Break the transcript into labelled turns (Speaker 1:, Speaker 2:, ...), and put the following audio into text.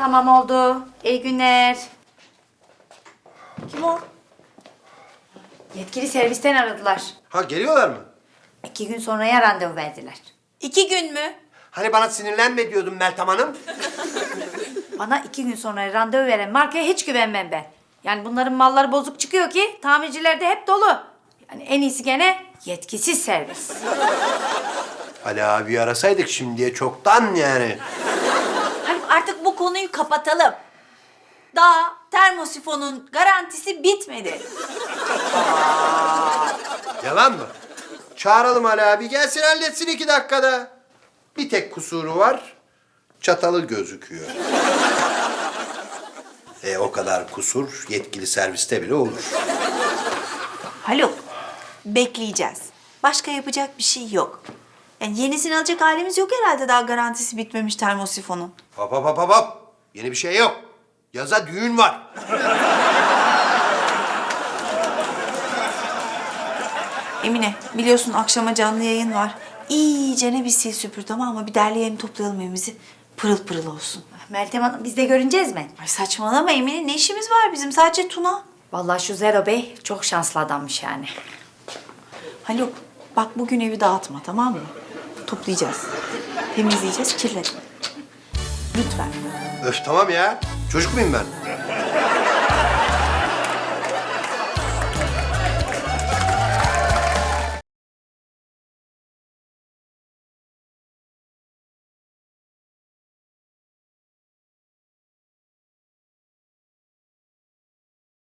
Speaker 1: Tamam oldu. İyi günler.
Speaker 2: Kim o?
Speaker 1: Yetkili servisten aradılar.
Speaker 3: Ha geliyorlar mı?
Speaker 1: 2 gün sonraya randevu verdiler.
Speaker 2: 2 gün mü?
Speaker 3: Hani bana sinirlenme diyordun Meltem Hanım.
Speaker 1: Bana 2 gün sonra randevu veren markaya hiç güvenmem ben. Yani bunların malları bozuk çıkıyor ki tamircilerde hep dolu. Yani en iyisi gene yetkisiz servis.
Speaker 3: Ali abi arasaydık şimdiye çoktan yani.
Speaker 2: Haluk artık bu konuyu kapatalım. Daha termosifonun garantisi bitmedi.
Speaker 3: Yalan mı? Çağıralım Ali abi gelsin halletsin 2 dakikada. Bir tek kusuru var. Çatalı gözüküyor. O kadar kusur yetkili serviste bile olur.
Speaker 2: Haluk, bekleyeceğiz. Başka yapacak bir şey yok. Yani yenisini alacak halimiz yok herhalde daha garantisi bitmemiş termosifonun.
Speaker 3: Hop hop hop hop hop. Yeni bir şey yok. Yaza düğün var.
Speaker 2: Emine, biliyorsun akşama canlı yayın var. İyicene bir sil süpür tamam mı? Bir derleyelim toplayalım evimizi. Pırıl pırıl olsun.
Speaker 1: Meltem Hanım biz de görüneceğiz mi?
Speaker 2: Ay saçmalama Emine, ne işimiz var bizim? Sadece Tuna.
Speaker 1: Vallahi şu Zero Bey çok şanslı adammış yani.
Speaker 2: Haluk, bak bugün evi dağıtma tamam mı? Toplayacağız. Temizleyeceğiz, kirletme. Lütfen.
Speaker 3: Öf tamam ya. Çocuk muyum ben?